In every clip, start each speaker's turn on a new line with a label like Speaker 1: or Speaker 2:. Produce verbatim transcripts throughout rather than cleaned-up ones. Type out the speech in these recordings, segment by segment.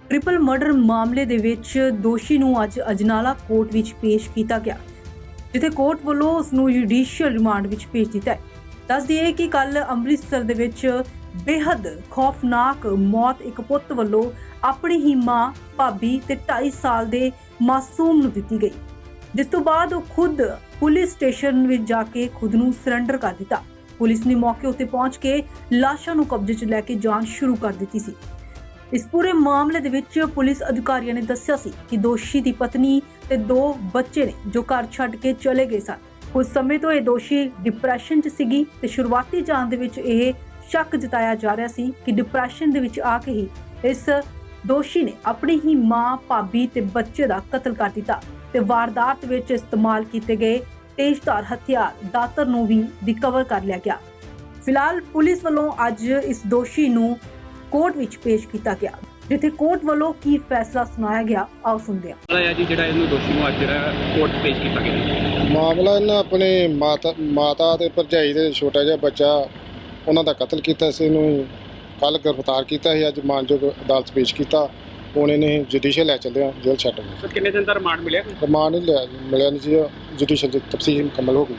Speaker 1: Triple murder मामले ਦੇ ਵਿੱਚ ਦੋਸ਼ੀ ਨੂੰ ਅੱਜ ਅਜਨਾਲਾ ਕੋਰਟ ਵਿੱਚ ਪੇਸ਼ ਕੀਤਾ ਗਿਆ, ਜਿੱਥੇ ਕੋਰਟ ਵੱਲੋਂ ਉਸ ਨੂੰ ਜੁਡੀਸ਼ੀਅਲ ਰਿਮਾਂਡ ਵਿੱਚ ਭੇਜ ਦਿੱਤਾ ਹੈ। ਦੱਸ ਦਈਏ ਕਿ ਕੱਲ ਅੰਮ੍ਰਿਤਸਰ ਦੇ ਵਿੱਚ ਬੇहद ਖੌਫਨਾਕ ਮੌਤ ਇੱਕ ਪੁੱਤ ਵੱਲੋਂ ਆਪਣੀ ਹੀ ਮਾਂ, ਭਾਬੀ ਤੇ ਢਾਈ ਸਾਲ ਦੇ ਮਾਸੂਮ ਨੂੰ ਦਿੱਤੀ ਗਈ, ਜਿਸ ਤੋਂ ਬਾਅਦ ਉਹ ਖੁਦ ਪੁਲਿਸ ਸਟੇਸ਼ਨ ਵਿੱਚ ਜਾ ਕੇ ਖੁਦ ਨੂੰ ਸਰੈਂਡਰ ਕਰ ਦਿੱਤਾ। ਪੁਲਿਸ ਨੇ ਮੌਕੇ ਉੱਤੇ ਪਹੁੰਚ ਕੇ ਲਾਸ਼ਾਂ ਨੂੰ ਕਬਜ਼ੇ 'ਚ ਲੈ ਕੇ ਜਾਂਚ ਸ਼ੁਰੂ ਕਰ ਦਿੱਤੀ ਸੀ। ਇਸ ਪੂਰੇ ਮਾਮਲੇ ਦੇ ਵਿੱਚ ਪੁਲਿਸ ਅਧਿਕਾਰੀਆਂ ਨੇ ਦੱਸਿਆ ਸੀ ਕਿ ਦੋਸ਼ੀ ਦੀ ਪਤਨੀ ਤੇ ਦੋ ਬੱਚੇ ਨੇ ਜੋ ਘਰ ਛੱਡ ਕੇ ਚਲੇ ਗਏ ਸਨ। ਕੁਝ ਸਮੇਂ ਤੋਂ ਇਹ ਦੋਸ਼ੀ ਡਿਪਰੈਸ਼ਨ 'ਚ ਸੀਗੀ ਤੇ ਸ਼ੁਰੂਆਤੀ ਜਾਂਚ ਦੇ ਵਿੱਚ ਇਹ ਸ਼ੱਕ ਜਤਾਇਆ ਜਾ ਰਿਹਾ ਸੀ ਕਿ ਡਿਪਰੈਸ਼ਨ ਦੇ ਵਿੱਚ ਆ ਕੇ ਹੀ ਇਸ ਦੋਸ਼ੀ ਨੇ ਆਪਣੀ ਹੀ ਮਾਂ, ਭਾਬੀ ਤੇ ਬੱਚੇ ਦਾ ਕਤਲ ਕਰ ਦਿੱਤਾ ਤੇ ਵਾਰਦਾਤ ਵਿੱਚ ਇਸਤੇਮਾਲ ਕੀਤੇ ਗਏ ਤੇਜ਼ਧਾਰ ਹਥਿਆਰ ਦਾਤਰ ਨੂੰ ਵੀ ਰਿਕਵਰ ਕਰ ਲਿਆ ਗਿਆ। ਫਿਲਹਾਲ ਪੁਲਿਸ ਵੱਲੋਂ ਅੱਜ ਇਸ ਦੋਸ਼ੀ ਨੂੰ ਕੋਰਟ ਵਿੱਚ ਪੇਸ਼ ਕੀਤਾ ਗਿਆ, ਜਿੱਥੇ ਕੋਰਟ ਵੱਲੋਂ ਕੀ ਫੈਸਲਾ ਸੁਣਾਇਆ ਗਿਆ ਆਓ ਸੁਣਦੇ ਹਾਂ।
Speaker 2: ਹੈ ਜੀ ਜਿਹੜਾ ਇਹਨੂੰ ਦੋਸ਼ੀ ਨੂੰ ਅੱਜ ਜਿਹੜਾ ਕੋਰਟ 'ਚ ਪੇਸ਼ ਕੀਤਾ ਗਿਆ।
Speaker 3: ਮਾਮਲਾ ਇਹਨਾਂ ਆਪਣੇ ਮਾਤਾ ਮਾਤਾ ਤੇ ਭਰਜਾਈ ਦੇ ਛੋਟਾ ਜਿਹਾ ਬੱਚਾ ਉਹਨਾਂ ਦਾ ਕਤਲ ਕੀਤਾ ਸੀ। ਇਹਨੂੰ ਕੱਲ ਗ੍ਰਿਫਤਾਰ ਕੀਤਾ ਸੀ, ਅੱਜ ਮਾਨਯੋਗ ਅਦਾਲਤ ਪੇਸ਼ ਕੀਤਾ। ਹੁਣ ਇਹਨੇ ਜੁਡੀਸ਼ੀਅਲ ਲੈ ਚੱਲਿਆ ਜੇਲ੍ਹ ਛੱਡ ਗਏ।
Speaker 2: ਸਰ ਕਿੰਨੇ ਦਿਨ ਦਾ ਰਿਮਾਂਡ ਮਿਲਿਆ?
Speaker 3: ਰਿਮਾਂਡ ਨਹੀਂ ਲਿਆ ਮਿਲਿਆ ਨਹੀਂ ਜੀ, ਜੁਡੀਸ਼ੀਅਲ ਦੀ ਤਫਸੀਲ ਮੁਕੰਮਲ ਹੋ ਗਈ।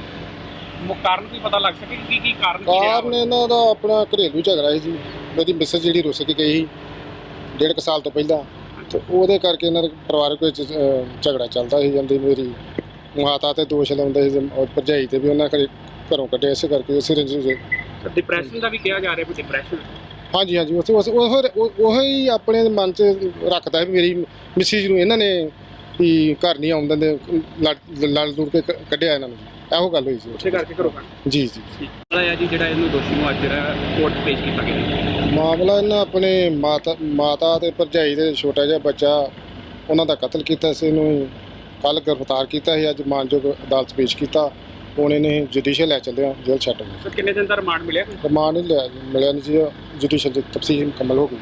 Speaker 2: ਮੁੱਖ ਕਾਰਨ ਕੀ ਪਤਾ ਲੱਗ ਸਕੇ ਕੀ ਕੀ ਕਾਰਨ ਕੀ ਰਿਹਾ?
Speaker 3: ਕਾਰਨ ਇਹਨਾਂ ਦਾ ਆਪਣਾ ਘਰੇਲੂ ਝਗੜਾ ਸੀ ਜੀ। ਮੇਰੀ ਮਿਸਸ ਜਿਹੜੀ ਰੁੱਸ ਕੇ ਗਈ ਸੀ ਡੇਢ ਕੁ ਸਾਲ ਤੋਂ ਪਹਿਲਾਂ, ਤੇ ਉਹਦੇ ਕਰਕੇ ਇਹਨਾਂ ਦਾ ਪਰਿਵਾਰਕ ਵਿੱਚ ਅਹ, ਝਗੜਾ ਚੱਲਦਾ ਸੀ। ਜਾਂਦੀ ਮੇਰੀ ਮਾਤਾ ਤੇ ਦੋਸ਼ ਲਾਉਂਦੇ ਸੀ ਔਰ ਭਰਜਾਈ ਤੇ ਵੀ ਉਹਨਾਂ ਘਰੇ ਘਰੋਂ ਕੱਢਿਆ, ਇਸੇ ਕਰਕੇ ਉਸੇ ਰੰਜਿਸ਼ ਦੇ।
Speaker 2: ਡਿਪਰੈਸ਼ਨ ਦਾ ਵੀ ਕਿਹਾ ਜਾ ਰਿਹਾ, ਕੋਈ ਡਿਪਰੈਸ਼ਨ?
Speaker 3: ਹਾਂਜੀ ਹਾਂਜੀ ਉਸ ਉਸ ਉਹ ਹੀ ਆਪਣੇ ਮਨ 'ਚ ਰੱਖਦਾ ਹੈ ਵੀ ਮੇਰੀ ਮਿਸਿਸ ਨੂੰ ਇਹਨਾਂ ਨੇ ਵੀ ਘਰ ਨਹੀਂ ਆਉਣ ਦਿੰਦੇ, ਲੜ ਲੜ ਲੁੜ ਕੇ ਕ- ਕੱਢਿਆ ਇਹਨਾਂ ਨੂੰ, ਇਹੋ ਗੱਲ ਹੋਈ ਸੀ
Speaker 2: ਉਸੇ ਕਰਕੇ ਘਰੋਂ ਕੱਢ।
Speaker 3: ਜੀ ਜੀ।
Speaker 2: ਹੈ ਜੀ ਜਿਹੜਾ ਇਹਨੂੰ ਦੋਸ਼ੀ ਨੂੰ ਅੱਜ ਜਿਹੜਾ ਕੋਰਟ 'ਚ ਪੇਸ਼ ਕੀਤਾ ਗਿਆ।
Speaker 3: ਮਾਮਲਾ ਇਹਨਾਂ ਆਪਣੇ ਮਾਤਾ ਮਾਤਾ ਤੇ ਭਰਜਾਈ ਦੇ ਛੋਟਾ ਜਿਹਾ ਬੱਚਾ ਉਹਨਾਂ ਦਾ ਕਤਲ ਕੀਤਾ ਸੀ। ਇਹਨੂੰ ਕੱਲ ਗ੍ਰਿਫਤਾਰ ਕੀਤਾ ਸੀ, ਅੱਜ ਮਾਨਯੋਗ ਅਦਾਲਤ ਪੇਸ਼ ਕੀਤਾ। ਹੁਣ ਇਹਨੇ ਜੁਡੀਸ਼ੀਅਲ ਲੈ ਚੱਲਿਆ ਜੇਲ੍ਹ ਛੱਡ ਗਏ।
Speaker 2: ਸਰ ਕਿੰਨੇ ਦਿਨ ਦਾ ਰਿਮਾਂਡ ਮਿਲਿਆ?
Speaker 3: ਰਿਮਾਂਡ ਨਹੀਂ ਲਿਆ ਮਿਲਿਆ ਨਹੀਂ ਜੀ, ਜੁਡੀਸ਼ੀਅਲ ਦੀ ਤਫਸੀਲ ਮੁਕੰਮਲ ਹੋ ਗਈ।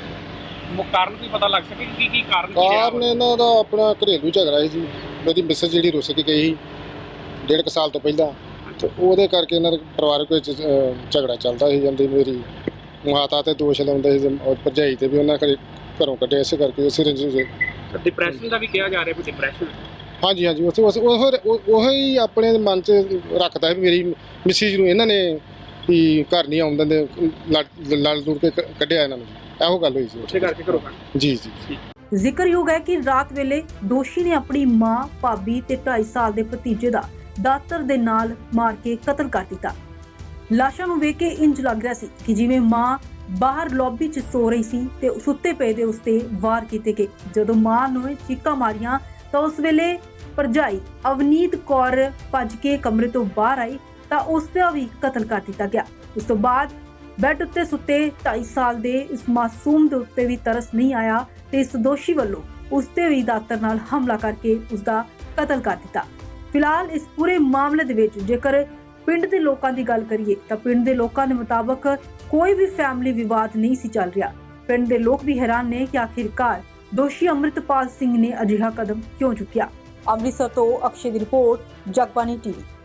Speaker 2: ਮੁੱਖ ਕਾਰਨ ਕੀ ਪਤਾ ਲੱਗ ਸਕੇ ਕੀ ਕੀ ਕਾਰਨ ਕੀ ਰਿਹਾ?
Speaker 3: ਕਾਰਨ ਇਹਨਾਂ ਦਾ ਆਪਣਾ ਘਰੇਲੂ ਝਗੜਾ ਸੀ ਜੀ। ਮੇਰੀ ਮਿਸਸ ਜਿਹੜੀ ਰੁੱਸ ਕੇ ਗਈ ਸੀ ਡੇਢ ਕੁ ਸਾਲ ਤੋਂ ਪਹਿਲਾਂ, ਤੇ ਉਹਦੇ ਕਰਕੇ ਇਹਨਾਂ ਦੇ ਪਰਿਵਾਰਕ ਵਿੱਚ ਅਹ, ਝਗੜਾ ਚੱਲਦਾ ਸੀ। ਜਾਂਦੀ ਮੇਰੀ ਮਾਤਾ ਤੇ ਦੋਸ਼ ਲਾਉਂਦੇ ਸੀ ਔਰ ਭਰਜਾਈ ਤੇ ਵੀ ਉਹਨਾਂ ਘਰੇ ਘਰੋਂ ਕੱਢਿਆ, ਇਸੇ ਕਰਕੇ ਉਸੇ ਰੰਜਿਸ਼ ਦੇ।
Speaker 2: ਸਰ ਡਿਪਰੈਸ਼ਨ ਦਾ ਵੀ ਕਿਹਾ ਜਾ ਰਿਹਾ, ਕੋਈ ਡਿਪਰੈਸ਼ਨ?
Speaker 3: ਹਾਂਜੀ ਹਾਂਜੀ ਉਸ ਉਸ ਉਹ ਹੀ ਆਪਣੇ ਮਨ 'ਚ ਰੱਖਦਾ ਹੈ ਵੀ ਮੇਰੀ ਮਿਸਿਸ ਨੂੰ ਇਹਨਾਂ ਨੇ ਵੀ ਘਰ ਨਹੀਂ ਆਉਣ ਦਿੰਦੇ, ਲੜ ਲੜ ਲੁੜ ਕੇ ਕ- ਕੱਢਿਆ ਇਹਨਾਂ ਨੂੰ, ਇਹੋ ਗੱਲ ਹੋਈ ਸੀ
Speaker 2: ਉਸੇ ਕਰਕੇ ਘਰੋਂ ਕੱਢ।
Speaker 3: ਜੀ ਜੀ।
Speaker 1: ਜ਼ਿਕਰਯੋਗ ਹੈ ਕਿ ਰਾਤ ਵੇਲੇ ਦੋਸ਼ੀ ਨੇ ਆਪਣੀ ਮਾਂ, ਭਾਬੀ ਤੇ ਢਾਈ ਸਾਲ ਦੇ ਭਤੀਜੇ ਦਾ ਦਾਤਰ ਦੇ ਨਾਲ ਮਾਰ ਕੇ ਕਤਲ ਕਰ ਦਿੱਤਾ। ਲਾਸ਼ਾਂ ਨੂੰ ਵੇਖ ਕੇ ਇੰਜ ਲੱਗ ਰਿਹਾ ਸੀ ਕਿ ਜਿਵੇਂ ਮਾਂ ਬਾਹਰ ਲੌਬੀ 'ਚ ਸੋ ਰਹੀ ਸੀ ਤੇ ਸੁੱਤੇ ਪਏ ਦੇ ਉਸ ਤੇ ਵਾਰ ਕੀਤੇ ਗਏ। ਜਦੋਂ ਮਾਂ ਨੂੰ ਚੀਕਾਂ ਮਾਰੀਆਂ ਤਾਂ ਉਸ ਵੇਲੇ ਭਰਜਾਈ ਅਵਨੀਤ ਕੌਰ ਭੱਜ ਕੇ ਕਮਰੇ ਤੋਂ ਬਾਹਰ ਆਈ ਤਾਂ ਉਸ ਦਾ ਵੀ ਕਤਲ ਕਰ ਦਿੱਤਾ ਗਿਆ। ਇਸ ਤੋਂ ਬਾਅਦ ਬੈੱਡ ਉੱਤੇ ਸੁੱਤੇ ਢਾਈ ਸਾਲ ਦੇ ਇਸ ਮਾਸੂਮ ਦੇ ਉੱਤੇ ਵੀ ਤਰਸ ਨਹੀਂ ਆਇਆ ਤੇ ਇਸ ਦੋਸ਼ੀ ਵੱਲੋਂ ਉਸ ਤੇ ਵੀ ਦਾਤਰ ਨਾਲ ਹਮਲਾ ਕਰਕੇ ਉਸ ਦਾ ਕਤਲ ਕਰ ਦਿੱਤਾ। ਫਿਲਹਾਲ ਇਸ ਪੂਰੇ ਮਾਮਲੇ ਦੇ ਵਿੱਚ ਜੇਕਰ ਪਿੰਡ ਦੇ ਲੋਕਾਂ ਦੀ ਗੱਲ ਕਰੀਏ ਤਾਂ ਪਿੰਡ ਦੇ ਲੋਕਾਂ ਦੇ ਮੁਤਾਬਕ ਕੋਈ ਵੀ ਫੈਮਿਲੀ ਵਿਵਾਦ ਨਹੀਂ ਸੀ ਚੱਲ ਰਿਹਾ। ਪਿੰਡ ਦੇ ਲੋਕ ਵੀ ਹੈਰਾਨ ਨੇ ਕਿ ਆਖਿਰਕਾਰ ਦੋਸ਼ੀ ਅੰਮ੍ਰਿਤਪਾਲ ਸਿੰਘ ਨੇ ਅਜਿਹਾ ਕਦਮ ਕਿਉਂ ਚੁੱਕਿਆ। ਅੰਮ੍ਰਿਤਸਰ ਤੋਂ ਅਕਸ਼ੇ ਦੀ ਰਿਪੋਰਟ, ਜਗਬਾਣੀ ਟੀਵੀ।